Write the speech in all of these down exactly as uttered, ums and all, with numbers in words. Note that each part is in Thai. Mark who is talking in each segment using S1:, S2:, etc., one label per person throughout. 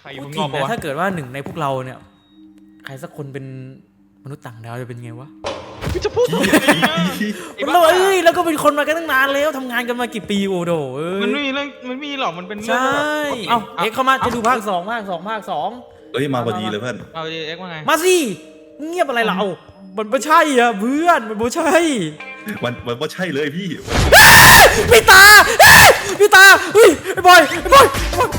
S1: ใครอยู่
S2: พูด
S1: ข้าง
S2: ถึ
S1: นอก
S2: ง
S1: ปะ
S2: นะ
S1: วะ
S2: ถ้าเกิดว่าหนึ่งในพวกเราเนี่ยใครสักคนเป็นมนุษย์ต่างดาวจะเป็นไงวะ
S1: จะพูดทำไมอะไอ้
S2: มัน
S1: บ้า
S2: เราเอ้ยแล้วก็เป็นคนมากันตั้งนานแล้วทำงานกันมากี่ปีโอ้โหเอ้ย
S1: มันไม่มีเรื่องมันไม่มีหรอกมันเป็นเรื่
S2: ใช่
S1: แบบ
S2: เอ้าเอ็กเข้ามาจะดูภาคสองภาคสองภาคสอง
S3: เอ้ยมาพอดีเลยเพื่อน
S1: เอาดิเอ็กซ์ว่าไง
S2: มาสิเงียบอะไรเรามันไม่ใช่อ่ะเพื่อนมันไม่ใช่
S3: มันมันว่าใช่เลยพี่
S2: พี่ตาพี่ตาเฮ้ยไอ้บอยไอ้บอยไอ้บอย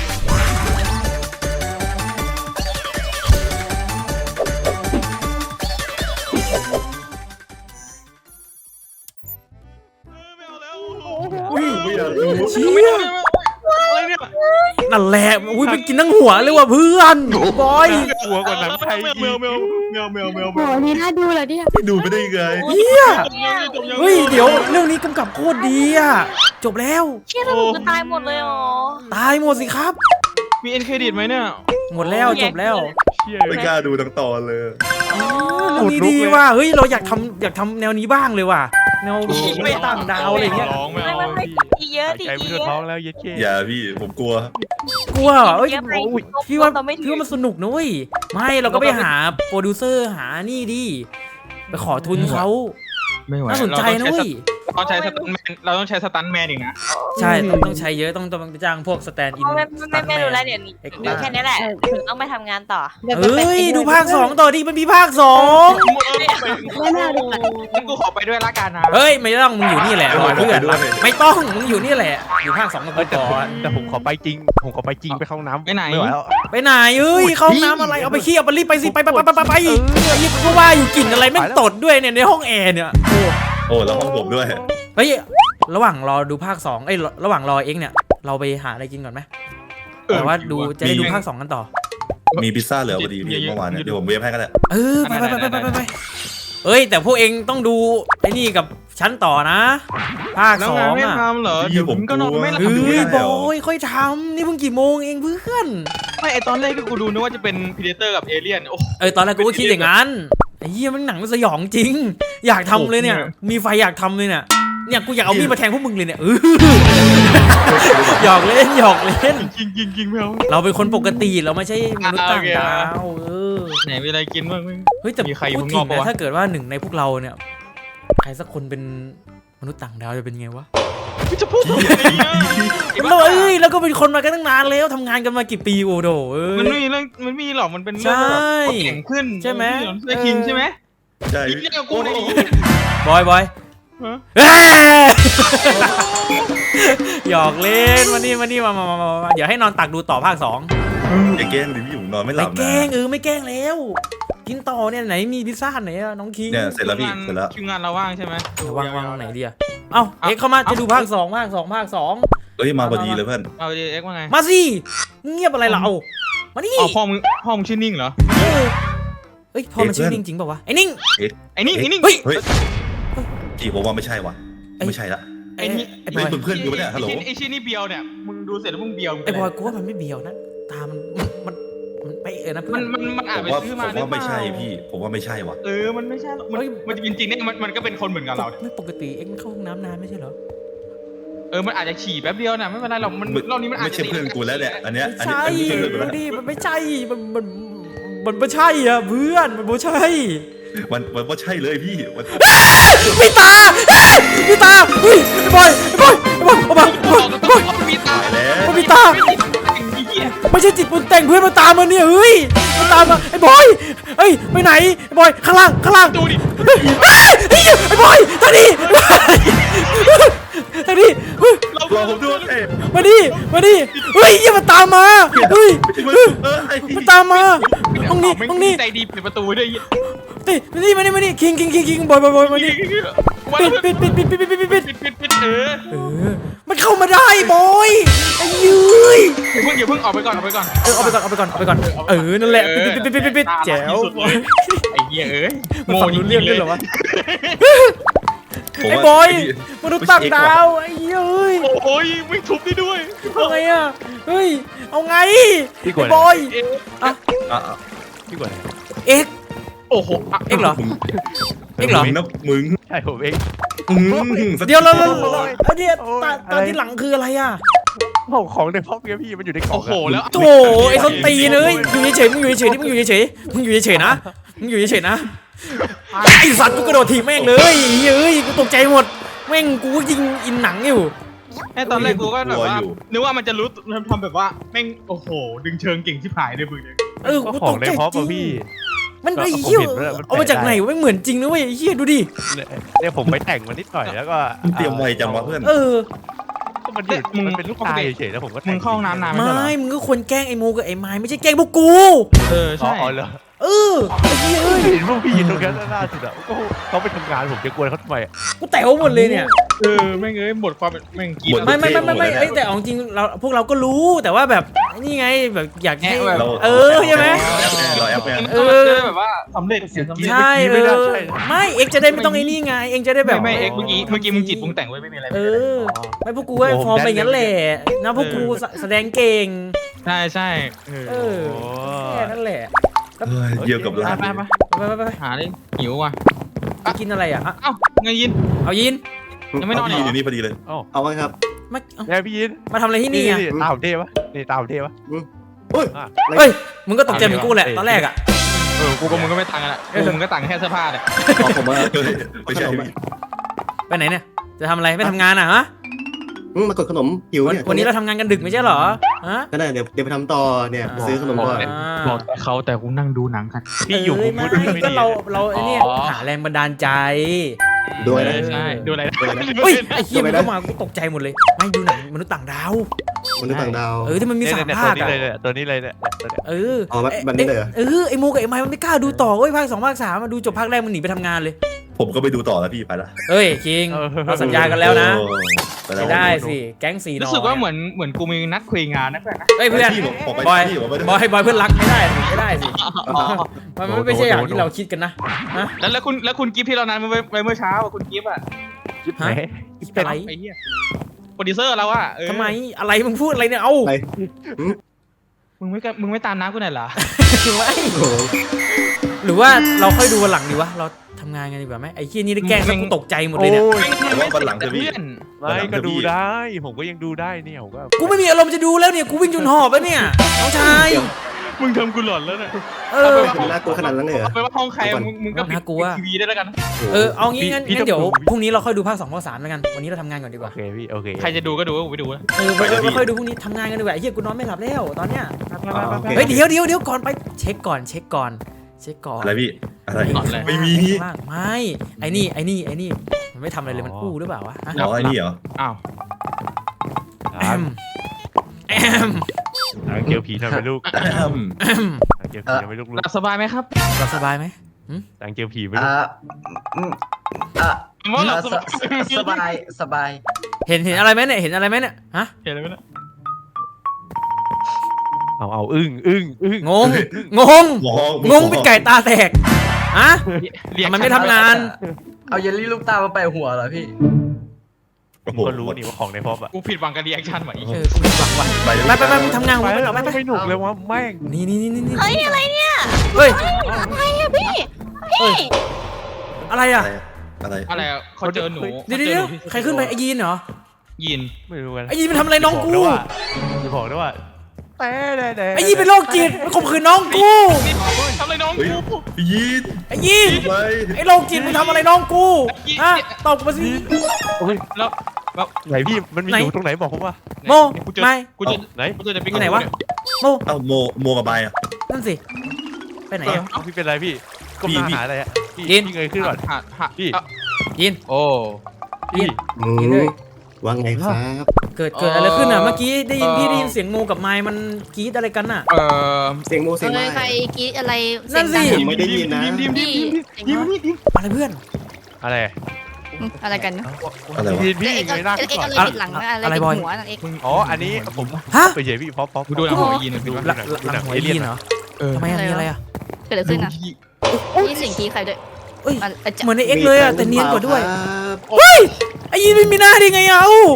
S1: ไม่เอาแล้ว
S2: อุ้ย
S3: ไม่อยากรู้
S2: เชี่
S1: ไม่
S2: ย
S1: เอาอะไรเนี่ย
S2: นั่นแหละอุ้ยไปกินทั้งหัวเลยว่ะเพื่อนบอย
S1: หัวกว่าหนังไทยแมวแมวแมวแมวแมว
S4: โหนี่น่าดูเหรอเนี่ย
S3: ดูไม่ได้ยังไง
S2: เฮียเฮ้ยเดี๋ยวเรื่องนี้กำกับโคตรดีอ่ะจบแล้ว
S4: เชี่ยแล้วหนูจะตายหมดเลยเหรอ
S2: ตายหมดสิครับ
S1: มีเอ็นเครดิตไหมเนี่ย
S2: หมดแล้วจบแล้ว
S1: เชี่ย
S3: ไม่กล้าดูทั้งตอนเลย
S2: เรื่องนี้ดีว่ะเฮ้ยเราอยากทำอยากทำแนวนี้บ้างเลยว่ะแนวไม่ต่างดาวอะไรเงี้ย
S1: ร้องไม่
S4: ไม่
S1: เอา
S4: ไม่ไม่
S1: พี่
S4: อีเยอะดิ
S5: ใจ
S4: อี
S5: ไม่
S4: เย
S5: ทั่ว
S4: อะ
S5: ท้องแล้วเย็ดเก้
S3: อย่าพี่ผมกลัว
S2: กลัวเหรอเอ้ย
S4: เยอะไป
S2: โอ้ยพี่ว่า
S4: เราไม่ถึง
S2: พี่ว่ามันสนุกนะเว้ยไม่เราก็ไปหาโปรดิวเซอร์หานี่ดิไปขอทุนเขา
S1: ไม่ไหว
S2: น่าสนใจนะเว้ย
S1: เราต้องใช้สตันแมนเราต้องใช้สตันแมนอีกนะ
S2: ใช่ต้องต้องใช้เยอะต้องต้องจ้างพวกสแตนด์อิน
S4: ไม่ไม่ไม่ไม่รู้แล้วเดี๋ยวนี้
S2: เอ็กซ์
S4: มีแค่นี้แหละถึงต้องไปทำงานต่อ
S2: เอ้ยดูภาคสองต่อดิมันมีภาคสอง
S4: ไม่น่าดูอ่ะ
S1: งั้นกูขอไปด้วยละกันนะ
S2: เฮ้ยไม่ต้องมึงอยู่นี่แหละรอเพื่อนไม่ต้องมึงอยู่นี่แหละอยู่ภาคสองกับ
S5: เอ
S2: กู
S5: อแต่
S2: ก่อน
S5: แต่ผมขอไปจริง ผมขอไปจริงไปเข้าห้องน้ำ
S1: ไปไหน
S5: ไม่ไหวแล้ว
S2: ไปไหนเอ้ยเข้าห้องน้ำอะไรเอาไปขี้เอาไปรีบไปสิไปไปไปไปไปไปยี่ก็ว่าอยู่กลิ่นอะไรแม่งตดด้วยเนี่ยในห้องแอร์เนี่ย
S3: โอ้แล้วห้องผมด้วย
S2: เฮ้ยระหว่างรอดูภาคสองเอ้ยระหว่างรอเอ็กเนี่ยเราไปหาอะไรกินก่อนไหมแต่ว่าดูจะได้ดูภาคสองกันต่อ
S3: มีพิซซ่าเหลือพอดีพี่เมื่อวานเนี่ยเดี๋ยวผมเวฟให้ก็ได้
S2: เออไปไปไปไปไปไปเอ้ยแต่พวกเองต้องดูไอ้นี่กับฉันต่อนะภาค
S1: แล้ว
S2: สอง
S1: งานไม่
S2: อ่ะ
S1: ทำเหรอเดี๋ยวผมก็นอนไม่หลับ
S2: เฮ้
S1: อยู่
S2: ย
S1: เนี่ย
S2: บอยค่อยทำนี่เพิ่งกี่โมงเองเพื่อน
S1: ไม่ไอตอนแรกที่กูดูนึกว่าจะเป็นพีเดเตอร์กับเอเลี่ยนโอ้
S2: เออตอนแรกกูก็คิดอย่างนั้นไอ้เหี้ยมันหนังมันสยองจริง อยากทำเลยเนี่ยมีไฟอยากทำเลยเนี่ยเนี่ยกูอยากเอามีดมาแทงพวกมึงเลยเนี่ยเออหยอกเล่นหยอกเล่น
S1: จริงจริงจริงไม่เอา
S2: เราเป็นคนปกติเราไม่ใช่มนุษย์ต่างดาวเออ
S1: ไหนมีอะไรกินบ้างไหม
S2: เฮ้ยแต่
S1: มีใครอยู่
S2: พูด
S1: ข้าง
S2: ถึ
S1: นอก
S2: ง
S1: ปะ
S2: นะ
S1: วะ
S2: ถ้าเกิดว่าหนึ่งในพวกเราเนี่ยใครสักคนเป็นมนุษย์ต่างดาวจะเป็นไงวะ
S1: จะพูดทำไมอะไอ้
S2: มัน
S1: บ้า
S2: เราเอ้ยแล้วก็เป็นคนมากันตั้งนานแล้วทำงานกันมากี่ปีโอ้โหเอ้
S1: มันไม่
S2: ย
S1: มีเรื่องมันไม่มีหรอกมันเป็นเรื่อง
S2: ใช่
S1: แบบเขาเก่งขึ้น
S2: ใช่ไหม
S1: เสื้อคิงใช่ไหม
S3: ใช่
S1: อีกเรื่องกับกูในนี้
S2: บอยบอย
S1: ฮะ
S2: เอ้ยหยอกเล่นมานี่มานี่มามามามาเดี๋ยวให้นอนตักดูต่อภาคสอง
S3: อย่าแกล้งดิพี่ผมนอนไม่ห
S2: ไม่
S3: ลับ
S2: แก
S3: นะ
S2: ล้งเออไม่แกล้งแล้ว กินต่อเนี่ยไหนมีพิซซ่าไหนอะน้องคิง
S3: เนี่ยเสร็จแล้วพี่เสร็จแล้ว
S1: คิวงานเราว่างใช่ไหม
S2: เดี๋ยววางวางตรงไหนดีอะเอ้าเอ็กเข้ามาจะดูภาคสองภาคสองภาคสอง
S3: เอ้ยมาพอดีเลยเพื่อน
S1: เอาดิเอ็กซ์ว่าไง
S2: มาสิเงียบอะไรเรามานี่
S1: อ๋อพ่อมึงพ่อมึงชื่อนิ่งเหรอ
S2: เออเฮ้ยพอมันชื่อนิ่งจริงเปล่าวะไอ้นิ่ง
S1: ไอ้นิ่งไอ้นิ่ง
S2: เฮ้ย
S3: เฮ้ยจีผมว่าไม่ใช่ว่ะไม่ใช่ละ
S2: ไอ้นี่ไอ้บ
S3: ไม่
S2: อย
S3: เป็นเพื่อนกูปะเนี่ยฮัลโหล
S1: ไอ้ชื่อนี่เบียวเนี่ยมึงดูเสร็จแล้วมึงเบียว
S2: ไอ้บอยกูว่ามันไม่เบียวนะตามันมันมันไปเออนะเพื่
S1: มั
S2: อน น
S1: มันมันอาจ
S3: ผม
S1: ไป
S3: ว่า
S1: ซื้อ
S3: ผม
S1: มาหรือ
S3: ว่า
S1: เป
S3: ไม่
S1: ล่า
S3: ใช่พี่ ผมว่าไม่ใช่ว่ะ
S1: เออมันไม่ใช่หรอกมัน
S2: เฮ้ย
S1: มันจะจริงๆเนี่ยมันมันก็เป็นคนเหมือนกับเรา
S2: ไม่ปกติเอ็กเข้าห้องน้ำนานไม่ใช่เหรอ
S1: เออมันอาจจะฉี่แป๊บเดียวนะไม่เป็นไรหรอกมันรอบนี้มันอาจ
S3: ไม่
S1: จะ
S3: ใช่เพื่อนกูแล้วเนี่ยอันเนี้ย
S2: ไม่
S3: อันนี้
S2: ใช่
S3: อันนี้ไม่ใช่เพื่อนกู
S2: ดู
S3: แล้ว
S2: ดิมันไม่ใช่มันมันมันไม่ใช่อ่ะเพื่อนมันไม่ใช่
S3: มันมันว่าใช่เลยพี่มัน
S2: พี่ตาพี่ตาเฮ้ยไอ้บอยไอ้บอยไอ้บอยไอ้บอยไอ้บอยไอ้บอย
S1: มีตา
S3: ตายแล้ว
S2: มันมีตาไม่ใช่จิตปรุงแต่งเพื่อนมาตามมาเนี่ยเฮ้ยมาตามมาไอ้บอยเฮ้ยไปไหนไอ้บอยข้างล่างข้างล่าง
S1: ดูดิ
S2: เฮ้ยเฮ้ยไอ้บอยทางนี้ทางนี้เฮ้ย
S3: รอผมด้วยเอ้ย
S2: มาดิมาดิเฮ้ยอย่ามาตามมาเฮ้ย
S3: มันเออไอ้
S2: มาตามมาห้องนี้ห้องนี้
S1: ใจดีปิดประตูด้วย
S2: ติมานี่มานี่มานี่คิงคิงคิงคิงบอยบอยบอยมานี่
S1: วัน
S2: ปิดปิดปิดปิดปิดปิดปิดปิด
S1: ปิดปิดปิดเออ
S2: เออมันเข้ามาได้บอยไอ้ยืย
S1: อย่าเพิ่งอย่าเพิ่งออกไปก่อนออกไปก่อน
S2: เออเอาไปก่อนเอาไปก่อนเอาไปก่อนเออนั่นแหละปิดปิดปิดปิดปิดปิดแจ๋ว
S1: ไอ้เหี้ยเอ้ย
S2: มันฟังรู้เรื่องด้วยเหรอวะ
S3: ผม
S2: ไอ้
S3: ว่า
S2: บอย
S3: พี่
S2: มนุษย์ต่างดาวไอ้เฮ้ย
S1: โอ้ยไม่ทุบได้ด้วย
S2: เอาไงอะเฮ้ยเอาไง
S5: พี่ก
S2: ไอ้
S5: ด
S2: บอยอะ
S3: อ่ะ
S5: พี่กดอะไร
S2: เอ็ก
S1: โอ้โห
S2: เอ็กเหรอ เอ็กเหรอ
S3: มึงนะมึง
S5: ใช่ผมเอง
S3: อืม
S2: เดี๋ยวเราเรา
S5: โอ้ย
S2: ไอ้เดีย
S5: โอ้ย
S2: ตา
S5: อะไร
S2: ตาที่หลังคืออะไรอะ
S5: ของของในพ็อปเนี่ยพี่มันอยู่ในกล่อง
S1: โอ้โหแล้ว
S2: โถไอ้ส้นตีนเอ้ยอยู่เฉยๆมึงอยู่เฉยๆนี่มึงอยู่เฉยๆมึงอยู่เฉยๆนะมึงอยู่เฉยๆนะไอ้สัตว์กูกระโดดถีบแม่งเลยเฮ้ยกูตกใจหมดแม่งกูยิงอินหนังอยู่
S1: ไอ้ตอนแรกกูก็แบบว่านึกว่ามันจะรู้ทำแบบว่าแม่งโอ้โหดึงเชิงเก่งชิบหายเลยมึงเนี่ย
S2: เออ
S5: ก็
S2: กู
S5: ขอ
S2: ต
S5: ง
S2: ก
S5: ใน
S2: ใจ
S5: พ็อป
S2: จริ
S5: อะ
S2: ง
S5: พี่
S2: มันไอ้
S5: ผม
S2: เหี้ย
S5: เห็นด้วยมัน
S2: เอามาจากไหน
S5: แปลกได้
S2: วะไม่เหมือนจริงนะเว้ยไอ้เหี้ยดูดิ
S5: เนี่ยผมไปแต่งมันนิดหน่อยแล้วก็
S3: มึงเตรียมไวจังวะเพื่อน
S2: เออ
S5: ก็มันอยู่มันเป็นลูกตาเฉยๆแล้วผมก็แต่
S1: มึงเข้าห้องน้ำนานไหม
S2: ไม่มึงก็ควรแกล้งไอ้โมกับไอ้ไม้ไม่ใช่แกล้งพวกกู
S1: เออ
S5: อ๋อ
S1: ใช่
S5: อ๋อเหรอ
S2: เออไอ้เหี้ยเอ้ย
S5: เห็นพวกพี่ตรงนั้นล่าสุดอ่ะก็เขาไปทำงานผมจะกวนเขาทำไมอะ
S2: กูแต๋วหมดเลยเนี่ย
S1: เออแม่งเอ้ยหมดความเป็นแม่งกิน
S2: ไม่ไม่ไม่ไม่ไม่เอ้ยแต่เอาจริงเราพวกเราก็รู้แต่ว่าแบบนี่ไงแบบอยากให้
S3: เรา
S2: เออใช่ไหม
S3: เราแอปแมน
S2: เออ
S1: จะได้แบบว่าสำเร็จเสียสำเร็จ
S2: ใช่เออไม่เอ็กจะได้ไม่ต้องไอ้นี่ไงเอ็กจะได้แบบ
S1: ไม่ไม่เอ็กเมื่อกี้เมื่อกี้มึงจิตมึงแต่งไว้ไม่มีอะไร
S2: เออไม่พวกกูก็ฟอร์มไปงั้นแหละนะพวกกูแสดงเก่ง
S1: ใช่ใช่เออ
S2: เออแค่นั้นแหละ
S3: เฮ้ยเยี่ยวกับลาด
S1: ไปไป
S2: ไปไปไปไป
S1: หาเลยหิวว่ะ
S2: ไปกินอะไรอ่ะฮะ
S1: เอ้าเงยยิน
S2: เอายิน
S1: ยังไม่นอนเหร
S3: พี่
S1: อ
S3: อยู่นี่พอดีเลย
S6: เอาไว้ครับ
S2: มาเอา
S5: เนี่ยพี่ยิน
S2: มาทำอะไรที่นี่อ่ะ
S5: ตาผมเท่ปะนี่ตาผมเท่ปะ
S6: อุ้ย
S2: เฮ้ยมึงก็ตกใจเหมือนกูแหละตอนแรกอ่ะ
S1: เออกูกับมึงก็ไม่ต่างกันละกูมึงก็ต่างแค่เสื้อผ้าเนี่ย
S6: ขอผมว่า
S3: เฮ้ยไม่ใช่พี่
S2: ไปไหนเนี่ยจะทำอะไรไม่ทำงานอ่ะฮะ
S6: อืมมากดขนมหิว
S2: วัน
S6: เนี่ย
S2: วันนี้เราทำงานกันดึกไม่ใช่เหรอฮะ
S6: ก็ได้เดี๋ยวเดี๋ยวไปทำต่อเนี่ยไปซื้อขนมก่อน
S1: บอกแต่เขาแต่กูนั่งดูหนังกัน
S5: พี่อยู่
S2: เอ้
S5: มุ
S2: ย
S5: ม
S2: ไม่
S5: มืดไม่
S2: ก็
S5: ดี
S2: เราเราไอ้เนี่ย
S1: อ๋อ
S2: หาแรงบันดาลใจ
S6: ด้วยนะ
S1: ใช่ดูอะไรนะ
S2: เฮ้ยไอ้เหี้ยมันเข้ามากูตกใจหมดเลยไม่ดูหนังมนุษย์ต่างดาว
S6: มนุษย์ต่างดาว
S2: เออที่มันมีสาม
S5: เนี่ย
S2: ภาค
S5: ตัว
S2: อะ
S5: นี้เลยเนี่ยตัวนี้เลยเนี่ยตัวเนี้ย
S2: เออ
S6: อ๋อแบบแบบนี้เลยเหรอ
S2: เออไอ้โมกับไอ้ไม้มันไม่กล้าดูต่อเว้ยภาคสองภาคสามมาดูจบภาคแรกมันหนีไปทำงานเลย
S3: ผมก็ไปดูต่อแล้วพี่ไปละ
S2: เอ้ยคิงเราสัญญากันแล้วนะ
S3: โอ้ไปแล้
S2: ไม่
S3: ว
S2: ได้สิแก๊งสีนอ
S1: รู้สึกว่าเหมือนเหมือนกูมีนัดคุยงานนะเพื่อนนะ
S2: เอ้ยเพื่อน
S3: พี่ผมผมไป
S2: บอย
S3: พี่ผมไปด้วย
S2: บอยบอยเพื่อนรักไม่ได้ไม่ได้สิมันมันไม่ใช่อย่างที่เราคิดกันนะฮะ
S1: แล้วแล้วคุณแล้วคุณกิฟที่เรานัดไปเมื่อเช้าอ่ะคุณกิฟอ่ะ
S5: จิ๊บไหน
S2: อะไร
S1: ไอ้เหี้ยโปรดิวเซอร์เราอะเออ
S2: ทำไมอะไรมึงพูดอะไรเนี่ยเอ้า
S6: อะไร
S1: มึงไม่กล้ามึงไม่ตามน้ำกูหน่อยเหรอ
S2: ไม่
S6: โอ้โห
S2: หรือว่าเราค่อยดูวันหลังดีวะเราทำงานกันดีกว่าไหมไอ้เหี้ยนี่ได้แกล้งซะกูตกใจหมดเลยเนี่ย
S5: โอ้ย
S3: แต่ว่าวันหลังเถอะพี่
S1: เพื่อน
S5: ไม่ก็ดูได้ ผมก็ยังดูได้เนี่ยผมก็
S2: กูไม่มีอารมณ์จะดูแล้วเนี่ยกูวิ่งจนหอบแล้วเนี่ยน้องชาย
S1: มึงทำกูหลอนแล้วเนี่ย
S2: เออ
S6: เป็นน่ากลัวขนาดนั้นเลยเหรอ
S1: เอาไปว่าห้องใครมึงมึงก็ปิด
S2: น่ากลัว
S1: ทีวีได้แล้วกัน
S2: เออเอางี้งั้นงั้นเดี๋ยวพรุ่งนี้เราค่อยดูภาคสองภาคสามแล้วกันวันนี้เราทำงานก่อนดีก
S5: โอ
S2: ว่า
S5: เคพี่โอเค
S1: ใครจะดูก็ดูกูไปดูนะ
S2: เออไปเราค่อยดูพรุ่งนี้ทำงานกันดีกว่าไอ้เหี้ยกูนอนไม่หลับแล้วตอนเนี้ย
S6: อ๋อโอเค
S2: เฮ้ยเดี๋ยวเดี๋ยวเดี๋ยวก่อนไปเช็คก่อนเช็คก่อนเช็คก่อน
S3: อะไรพี่อะไร
S1: หลอนเลย
S3: ไม่มี
S2: ข้างล่างไม่ไอ้นี่ไอ้นี่ไอ้นี่มันไม่ทำอะไรเลยมันอู้หรือเปล่าวะอะ
S3: อ๋อไอ้นี่เหรอ
S1: อ้าว
S2: แอมแอม
S5: หางเกี่ยวผีทำไมลูก
S2: แอม
S5: หางเกี่ยวผีทำไมลูก
S1: หลับสบายไหมครับ
S2: หลับสบายไหม
S5: หางเกี่ยวผีไม่ลู
S7: อ่าก อืมอ่า
S1: ว่าหลับส
S7: ส
S1: บาย
S7: สบายสบาย
S2: เห็นเห็นอะไรไหมเนี่ยเห็นอะไรไหมเนี่ยฮะ
S1: เห็นอะไรไหมเนี่ย
S5: เอาเอาอึ้งอึ้งอึ้ง
S2: งงงง
S3: มอง
S2: งงเป็นไก่ตาแตกฮะ
S1: เรียก
S2: มันไม่ทำงาน
S7: เอาเยลลี่ลูกตามาแปะหัวเหรอพี่
S3: โอ้โห
S5: ก็รู้นี่ว่าของในพ็อปอะ
S1: กูผิดหวังกับรีแอคชั่นว่ะอีก
S2: เออกูหวังว่ะ
S3: ไปเลย
S2: ไปไปไปมึงทำงานของ
S5: ไป
S2: มึงไป
S5: แล้
S2: หร
S5: ว
S2: อไปไป
S5: ไม่หนุกเลยว่าแม่ง
S2: นี่นี่นี่นี่
S4: เฮ้ยอะไรเนี่ย
S2: เฮ้ย
S4: อะไรอะพี่
S2: เฮ้ยอะไร
S3: อะ
S2: อ่ะ
S3: ไรอะไร
S1: อะไรอะเขาเจอหนู
S2: เดี๋ยวเดี๋ยวเดี๋ยวใครขึ้นไปไอ้ยีนเหรอ
S1: ยิน
S5: ไม่รู้กัน
S2: ไอ้ยีนมันทำอะไรน้องกู
S5: จะบอกด้วยว่าแต่แต่แต่
S2: ไอ้ยีนเป็นโรคจิตมันข่มขืนน้องกู
S1: นี่ทำอะไรน้อง
S3: เฮ้ย
S1: กู
S3: พี่ยีน
S2: ไอ้ยีน
S3: ไป
S2: ไอ้โรคจิตมึงทำอะไรน้องกูฮะตอบมาสิ
S1: แล้ว
S5: ไหนพี่มันมี
S2: ไหน
S5: อยู่ตรงไหนบอกผมว่า
S2: โม
S1: กูเจอ
S2: ไม่
S1: กูเจอ
S5: ไหน
S1: กูเจอแต่ปิ๊ก
S2: ไหนวะ โม
S3: เอ้าโมโมกับใบอ่ะ
S2: นั่นสิไปไหนอะ
S5: เอาพี่เป็นไรพี่ก็
S3: พี่
S5: มา
S3: พี่
S5: หาอะไรอะพี่
S2: ยิน
S5: พี่เงยขึ้นก่อน
S1: หาหา
S5: พี่
S2: ยีน
S1: โอ้
S5: พี่
S6: อืมว่าไงครับ
S2: เกิดเกิดอะไรขึ้นอ่ะเมื่อกี้ได้ยินพี่ได้ยินเสียงโมกับไมค์มันกรี๊ดอะไรกันอ่ะ
S1: เอ่อ
S6: เสียงโมเสียง
S4: เล
S6: ไม้
S4: ยใครกรีดอะไร
S2: นั่นสิ
S6: ผมไม่ได้ยินนะ
S1: ดิมดิมดิมดิมดิมดิมดิม
S2: อะไรเพื่อน
S5: อะไร
S4: อะไรกัน
S3: อะไรวะ
S5: พี่พี่
S4: เอ็ก
S5: เงยหน้า
S4: เอ็
S5: ขึ้
S4: ก
S5: น
S4: เอ็ก
S5: ก่อน
S4: อะไรติดหลังนะอะไร
S2: อะไร
S4: ติด
S2: บอย
S4: หัวนะเอ็ก
S5: อ๋ออันนี้ผม
S2: ฮะ
S5: ไปเฉยพี่พอพอ
S1: กูดูหนังหัวยินดู
S2: หลังหลังหัวยีนเหรอ
S1: เออ
S2: ทำไมอะมีอะไรอ่ะ
S4: เกิดอะไรขึ้นอ่ะนี่เสียงกรีดใครด้วย
S2: เอ้ย
S4: มันอาจจะ
S2: เหมือนในเอ็กเลยอ่ะแต่เนียนกว่าด้วย
S6: ครับ
S2: เฮ้ยไอ้ยีนไม่มีหน้าได้ไงอ่ะเอ้า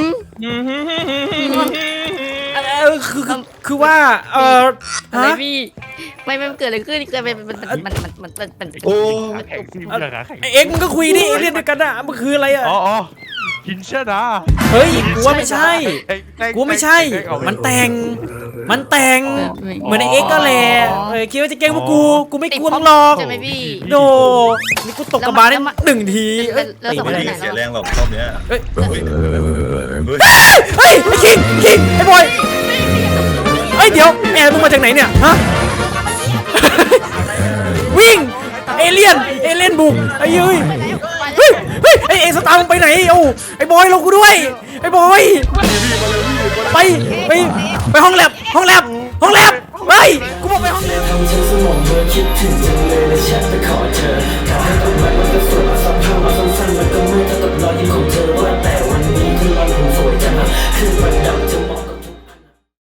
S2: เออคือคือคือว่าเออ
S4: อะไร
S2: ฮะ
S4: พี่ไม่ไม่เกิดอะไรขึ้นเกิดมันมันมันมันมันมันมัน
S6: โอ้
S5: ขาแข็งซิ่งขาแข็ง
S2: ไอเอ็กมึงก็คุยดิเอเลี่ยนด้วยกันอ่ะมันคืออะไรอ่ะ
S5: อ๋ออ๋อคินเชอร์นะ
S2: เฮ้ยกูว่าไม่ใช่ กูว่าไม่ใช่ มันแต่ง มันแต่ง เหมือนไอเอ็กซ์ก็แหละเออคิดว่าจะแกล้งพวกกู กูไม่กลัวมึงหรอก
S4: ใช่ไหมพี่
S2: โดนี่กูตกกระบาลได้หนึ่งทีเอ้ย
S4: แล้ว
S2: ตี
S4: สอง
S2: ไม่
S4: คน
S2: ได้
S4: ไหน
S3: เสียแรงหรอกรอบเนี้ย
S2: เฮ้ย
S3: เฮ้ยเฮ้ย
S2: เฮ้ยไอ้คิงคิงไอ้บอยเฮ้ยเดี๋ยวแอบมึงมาจากไหนเนี่ยฮะ วิ่งเอเลี่ยนเอเลี่ยนบุกไอ้เฮ้ยเฮ้ยเฮ้ยไอ้เอสตาร์มึงไปไหนเอ้าไอ้บอยเรากูด้วยไอ้บอยไปไปไปห้องแลบห้องแลบห้องแลบเฮ้ยกูบอกไปห้องแลบ
S8: ทำฉันสมองเธอคิดถึงจังเลยและแชทไปขอเธอขอให้กลับมา